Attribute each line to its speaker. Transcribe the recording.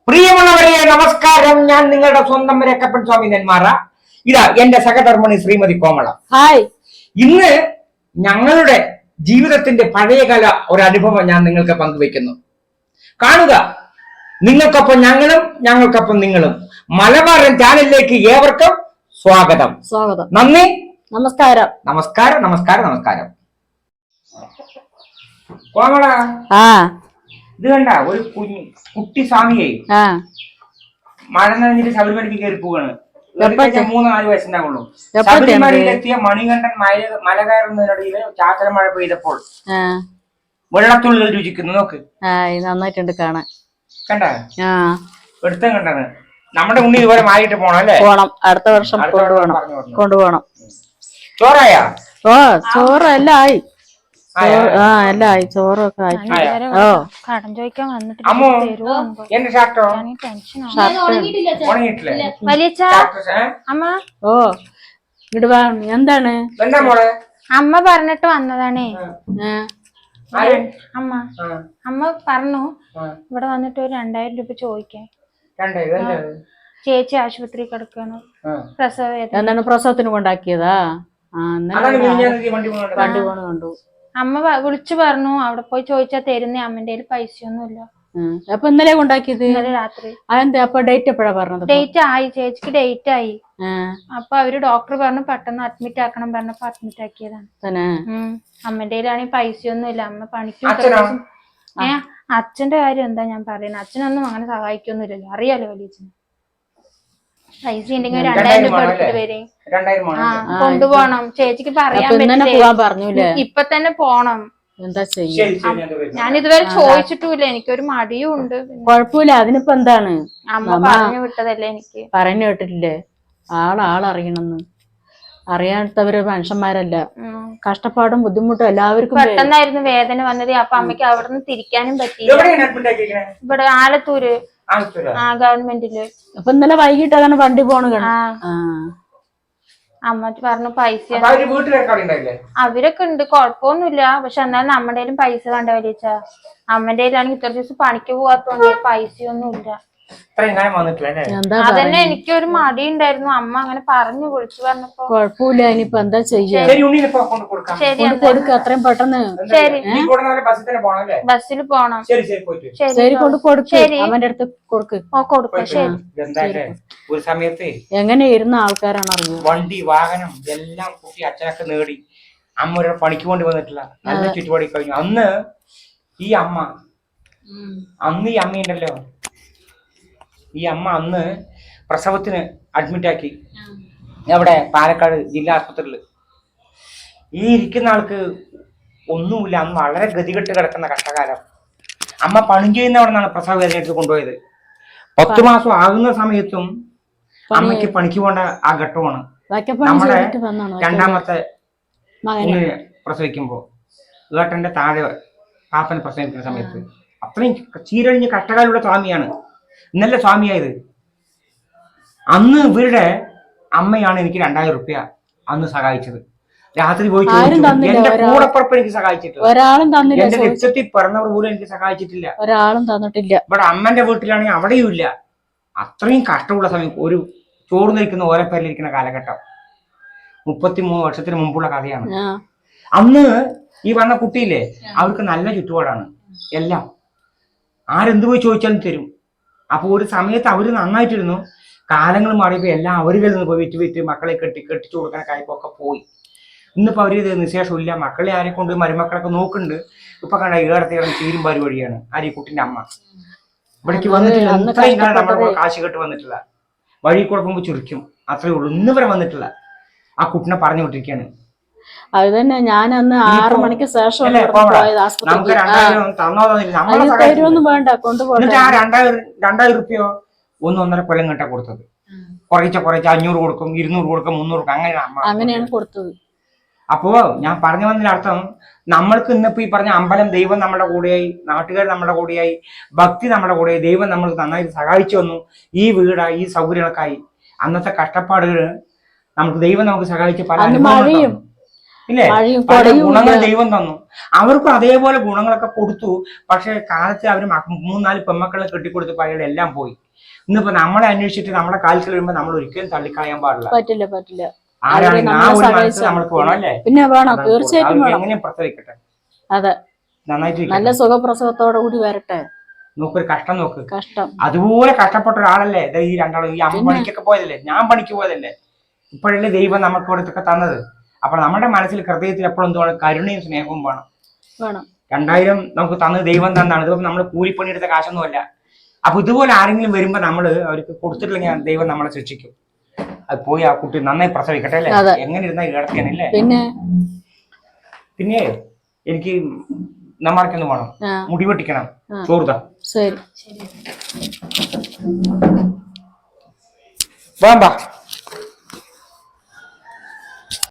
Speaker 1: പ്രിയമുള്ളവരെ നമസ്കാരം. ഞാൻ നിങ്ങളുടെ സ്വന്തം രക്കപ്പൻ സ്വാമി നെന്മാറ. ഇതാ എന്റെ സഹധർമ്മിണി ശ്രീമതി കോമള.
Speaker 2: ഹായ്.
Speaker 1: ഇന്ന് ഞങ്ങളുടെ ജീവിതത്തിന്റെ പഴയകാല ഒരു അനുഭവം ഞാൻ നിങ്ങൾക്ക് പങ്കുവെക്കുന്നു. കാണുക, നിങ്ങൾക്കൊപ്പം ഞങ്ങളും ഞങ്ങൾക്കൊപ്പം നിങ്ങളും. മലബാറൻ ചാനലിലേക്ക് ഏവർക്കും സ്വാഗതം. നന്ദി,
Speaker 2: നമസ്കാരം.
Speaker 1: നമസ്കാരം, നമസ്കാരം, നമസ്കാരം. കോമള, ഇത് കണ്ട ഒരു കുട്ടി സ്വാമിയെ മഴ നനഞ്ഞിട്ട് ശബരിമലയ്ക്ക് കയറി പോവാണ്. 3-4 വയസ്സുണ്ടാവുള്ളൂ. ശബരിമലയിലെത്തിയ മണികണ്ഠൻ മല കയറുന്നതിനിടയിൽ ചാറ്റൽ മഴ പെയ്തപ്പോൾ വെള്ളത്തുള്ളിൽ രുചിക്കുന്നു. നോക്ക്,
Speaker 2: നന്നായിട്ടുണ്ട് കാണാൻ.
Speaker 1: കണ്ട എടുത്തും കണ്ടാണ്. നമ്മുടെ ഉണ്ണി ഇതുപോലെ മാറിയിട്ട് പോണം അല്ലേ?
Speaker 2: പോണം, അടുത്ത വർഷം കൊണ്ടുപോകണം.
Speaker 1: ചോറായ?
Speaker 2: ചോറ് എല്ലാം ആയി. എല്ലാം ആയി, ചോറൊക്കെ ആയി.
Speaker 3: കടം ചോദിക്കാൻ വന്നിട്ട് അമ്മ
Speaker 2: എന്താണ്
Speaker 3: അമ്മ പറഞ്ഞിട്ട് വന്നതാണേ. അമ്മ പറഞ്ഞു ഇവിടെ വന്നിട്ട് ഒരു 2000 രൂപ ചോദിക്കാൻ. ചേച്ചി ആശുപത്രി കിടക്കാണ്,
Speaker 2: എന്താണ് പ്രസവത്തിന് കൊണ്ടാക്കിയതാ? വണ്ടി പോണ കണ്ടു.
Speaker 3: അമ്മ വിളിച്ചു പറഞ്ഞു അവിടെ പോയി ചോദിച്ചാ തരുന്നേ, അമ്മന്റെ കയ്യിൽ പൈസയൊന്നുമില്ല.
Speaker 2: അപ്പൊ ഇന്നലെ കൊണ്ടാക്കിയത്?
Speaker 3: ഇന്നലെ രാത്രി.
Speaker 2: അതെന്താ? അപ്പൊ ഡേറ്റ് എപ്പോഴാ പറഞ്ഞത്?
Speaker 3: ഡേറ്റ് ആയി, ചേച്ചിക്ക് ഡേറ്റ് ആയി. അപ്പൊ അവര് ഡോക്ടർ പറഞ്ഞു പെട്ടെന്ന് അഡ്മിറ്റ് ആക്കണം പറഞ്ഞപ്പോ അഡ്മിറ്റ് ആക്കിയതാണ്. അമ്മന്റെ കയ്യിലാണെങ്കിൽ പൈസയൊന്നുമില്ല. അമ്മ പണിക്കും. അച്ഛന്റെ കാര്യം എന്താ ഞാൻ പറയുന്നത്? അച്ഛനൊന്നും അങ്ങനെ സഹായിക്കൊന്നുമില്ലല്ലോ, അറിയാലോ വലിയച്ഛന്. പൈസ ഉണ്ടെങ്കിൽ 2000 രൂപ എടുത്തിട്ട് വരെ കൊണ്ടുപോണം. ചേച്ചിക്ക് പറയാൻ പറ്റില്ല, ഇപ്പൊ തന്നെ പോണം.
Speaker 2: എന്താ ചെയ്യാ?
Speaker 3: ഞാൻ ഇതുവരെ ചോദിച്ചിട്ടുമില്ല, എനിക്കൊരു മടിയും ഉണ്ട്.
Speaker 2: കൊഴപ്പില്ല, അതിനിപ്പോ എന്താണ്?
Speaker 3: അമ്മ പറഞ്ഞു വിട്ടതല്ലേ എനിക്ക്.
Speaker 2: പറഞ്ഞു കേട്ടിട്ടില്ലേ, ആളറിയണമെന്ന്. അറിയാത്തവര് മനുഷ്യന്മാരല്ല. കഷ്ടപ്പാടും ബുദ്ധിമുട്ടും എല്ലാവർക്കും.
Speaker 3: പെട്ടെന്നായിരുന്നു വേദന വന്നത്. അപ്പൊ അമ്മയ്ക്ക് അവിടെ നിന്ന് തിരിക്കാനും പറ്റിയില്ല. ഇവിടെ ആലത്തൂര് ഗവൺമെന്റില്.
Speaker 2: അപ്പൊ ഇന്നലെ വൈകിട്ട് അതാണ് വണ്ടി പോണ.
Speaker 3: അമ്മ പറഞ്ഞു പൈസ അവരൊക്കെ ഉണ്ട്, കൊഴപ്പൊന്നുമില്ല. പക്ഷെ എന്നാലും നമ്മുടെ കയ്യിലും പൈസ വേണ്ട വലിയ. അമ്മന്റെ കയ്യിലാണെങ്കിൽ ഇത്ര ദിവസം പണിക്ക് പോവാത്തോണ്ട് പൈസയൊന്നും ഇല്ല. അതന്നെ എനിക്കൊരു മടി ഉണ്ടായിരുന്നു. അമ്മ അങ്ങനെ പറഞ്ഞു വിളിച്ചു പറഞ്ഞപ്പോ
Speaker 2: കൊഴപ്പില്ല. ഇനിയിപ്പോ എന്താ ചെയ്യാ? അത്രയും പെട്ടെന്ന്
Speaker 3: ബസ്സിൽ പോണം.
Speaker 2: ശരി, കൊണ്ട് കൊടുക്ക്. അവന്റെ അടുത്ത് കൊടുക്ക്.
Speaker 3: കൊടുക്കും. ശരി.
Speaker 1: ഒരു സമയത്ത്
Speaker 2: എങ്ങനെ ഇരുന്ന ആൾക്കാരാണ് അറിയുന്നത്.
Speaker 1: വണ്ടി വാഹനം എല്ലാം കൂട്ടി അച്ഛനൊക്കെ നേടി അമ്മ ഒരു പണിക്ക് കൊണ്ട് വന്നിട്ടില്ല. നല്ല ചുറ്റുപാടി കഴിഞ്ഞു. അന്ന് ഈ അമ്മയുണ്ടല്ലോ, ഈ അമ്മ അന്ന് പ്രസവത്തിന് അഡ്മിറ്റ് ആക്കി. എവിടെ? പാലക്കാട് ജില്ലാ ആശുപത്രിയിൽ. ഈ ഇരിക്കുന്ന ആൾക്ക് ഒന്നുമില്ല. അന്ന് വളരെ ഗതികെട്ട് കിടക്കുന്ന കഷ്ടകാലം. അമ്മ പണി ചെയ്യുന്ന അവിടെ നിന്നാണ് പ്രസവ വേദന എടുത്ത് കൊണ്ടുപോയത്. 10 മാസം ആകുന്ന സമയത്തും അമ്മയ്ക്ക് പണിക്ക് പോകേണ്ട ആ ഘട്ടമാണ്. നമ്മുടെ രണ്ടാമത്തെ പ്രസവിക്കുമ്പോ ഏട്ടന്റെ താഴെ പാപ്പനെ പ്രസവിക്കുന്ന സമയത്ത് അത്രയും ചീരഴിഞ്ഞ് കഷ്ടകാലുള്ള സ്വാമിയാണ് ഇന്നലെ സ്വാമിയായത്. അന്ന് ഇവരുടെ അമ്മയാണ് എനിക്ക് 2000 രൂപ അന്ന് സഹായിച്ചത്. രാത്രി പോയി എന്റെ കൂടപ്പുറപ്പ് എനിക്ക് സഹായിച്ചിട്ടില്ല. എന്റെ രക്തത്തിൽ പിറന്നവർ പോലും എനിക്ക് സഹായിച്ചിട്ടില്ല.
Speaker 2: ഒരാളും തന്നിട്ടില്ല.
Speaker 1: ഇവിടെ അമ്മന്റെ വീട്ടിലാണെങ്കിൽ അവിടെയും ഇല്ല. അത്രയും കഷ്ടമുള്ള സമയം. ഒരു ചോറ് നിൽക്കുന്ന ഓരപ്പേരിലിരിക്കുന്ന കാലഘട്ടം 33 വർഷത്തിന് മുമ്പുള്ള കഥയാണ്. അന്ന് ഈ വന്ന കുട്ടിയില്ലേ, അവർക്ക് നല്ല ചുറ്റുപാടാണ്. എല്ലാം ആരെന്ത് പോയി ചോദിച്ചാലും തരും. അപ്പൊ ഒരു സമയത്ത് അവര് നന്നായിട്ടിരുന്നു. കാലങ്ങൾ മാറിയപ്പോ എല്ലാം അവരിൽ നിന്ന് പോയി വിറ്റ് മക്കളെ കെട്ടിച്ചു കൊടുക്കുന്ന കാര്യപ്പൊക്കെ പോയി. ഇന്നിപ്പോ അവര് നിശേഷമില്ല. മക്കളെ ആരെ കൊണ്ട് മരുമക്കളൊക്കെ നോക്കുന്നുണ്ട്. ഇപ്പൊ കണ്ട ഏടത്തേടം ചീരും പരിപാടിയാണ്. ആര്? കുട്ടിന്റെ അമ്മ ഇവിടേക്ക് വന്നിട്ടില്ല. ഇത്രയും കാലം നമ്മുടെ കാശ് കെട്ട് വന്നിട്ടില്ല. വഴി കുഴപ്പമ്പോൾ ചുരുക്കും, അത്രേ ഉള്ളൂ. ഇന്ന് വരെ വന്നിട്ടില്ല. ആ കുട്ടിനെ പറഞ്ഞു വിട്ടിരിക്കാണ്.
Speaker 2: അത് തന്നെ ഞാൻ അന്ന് 6 മണിക്ക് ശേഷം
Speaker 1: നമുക്ക് 2000 തന്നോന്നും
Speaker 2: വേണ്ട, കൊണ്ടുപോകും.
Speaker 1: എന്നിട്ട് ആ 2000 രൂപയോ 1-1.5 കൊല്ലം കേട്ടാ കൊടുത്തത്. കുറച്ച് 500 കൊടുക്കും, 200 കൊടുക്കും, 300 കൊടുക്കും.
Speaker 2: അങ്ങനെയാണ് കൊടുത്തത്.
Speaker 1: അപ്പോ ഞാൻ പറഞ്ഞു വന്നതിന്റെ അർത്ഥം, നമ്മൾക്ക് ഇന്നിപ്പോ ഈ പറഞ്ഞ അമ്പലം, ദൈവം നമ്മുടെ കൂടെയായി, നാട്ടുകാർ നമ്മുടെ കൂടെയായി, ഭക്തി നമ്മുടെ കൂടെയായി, ദൈവം നമ്മൾക്ക് നന്നായിട്ട് സഹായിച്ചു വന്നു. ഈ വീടായി, ഈ സൗകര്യങ്ങൾക്കായി. അന്നത്തെ കഷ്ടപ്പാടുകൾ നമുക്ക് ദൈവം നമുക്ക് സഹായിച്ച് പല അനുഭവങ്ങളും. ഇല്ലേ?
Speaker 2: മഴയും
Speaker 1: പല
Speaker 2: കൊടയും
Speaker 1: ഗുണങ്ങൾ ദൈവം തന്നു. അവർക്കും അതേപോലെ ഗുണങ്ങളൊക്കെ കൊടുത്തു. പക്ഷെ കാലത്ത് അവർ 3-4 പെമ്മക്കളെ കെട്ടിക്കൊടുത്തപ്പോൾ അയാൾ എല്ലാം പോയി. ഇന്നിപ്പോ നമ്മളെ അന്വേഷിച്ചിട്ട് നമ്മളെ കാൽക്കൽ വരുമ്പോ നമ്മൾ ഒരിക്കലും തള്ളിക്കളയാൻ പാടില്ല.
Speaker 2: പറ്റില്ല പറ്റില്ല.
Speaker 1: ആരാണെങ്കിൽ ആ ഒരു മനസ്സ് നമ്മൾക്ക് വേണം അല്ലേ?
Speaker 2: പിന്നെ വേണം, തീർച്ചയായിട്ടും വേണം.
Speaker 1: എങ്ങനെയും പ്രസവിക്കട്ടെ,
Speaker 2: അതെ,
Speaker 1: നന്നായിട്ട്
Speaker 2: നല്ല സുഖപ്രസവത്തോടെ കൂടി വരട്ടെ.
Speaker 1: നോക്കൊരു കഷ്ടം നോക്ക്.
Speaker 2: കഷ്ടം
Speaker 1: അതുപോലെ കഷ്ടപ്പെട്ട ഒരാളല്ലേ ഈ രണ്ടാളും. ഈ അമ്മ പണിക്കൊക്കെ പോയതല്ലേ, ഞാൻ പണിക്ക് പോയതല്ലേ. ഇപ്പോഴല്ലേ ദൈവം നമുക്ക് ഇവിടത്തൊക്കെ തന്നത്. അപ്പൊ നമ്മുടെ മനസ്സിൽ ഹൃദയത്തിൽ എപ്പോഴും എന്തുവേണം? കരുണയും സ്നേഹവും വേണം. 2000 നമുക്ക് തന്നത് ദൈവം തന്നാണ്. ഇതിപ്പോ നമ്മൾ കൂലിപ്പണിയെടുത്ത കാശൊന്നുമല്ല. അപ്പൊ ഇതുപോലെ ആരെങ്കിലും വരുമ്പോ നമ്മള് അവർക്ക് കൊടുത്തിട്ടില്ലെങ്കിൽ ദൈവം നമ്മളെ ശിക്ഷിക്കും. അത് പോയി ആ കുട്ടി നന്നായി പ്രസവിക്കട്ടെ അല്ലേ? എങ്ങനെ ഇരുന്നാ കിടത്തിയാണല്ലേ? പിന്നെ എനിക്ക് നമ്മൾക്കൊന്ന് വേണം, മുടി വെട്ടിക്കണം, ചോറുതാ.
Speaker 2: ശരി,
Speaker 1: വേണ്ട.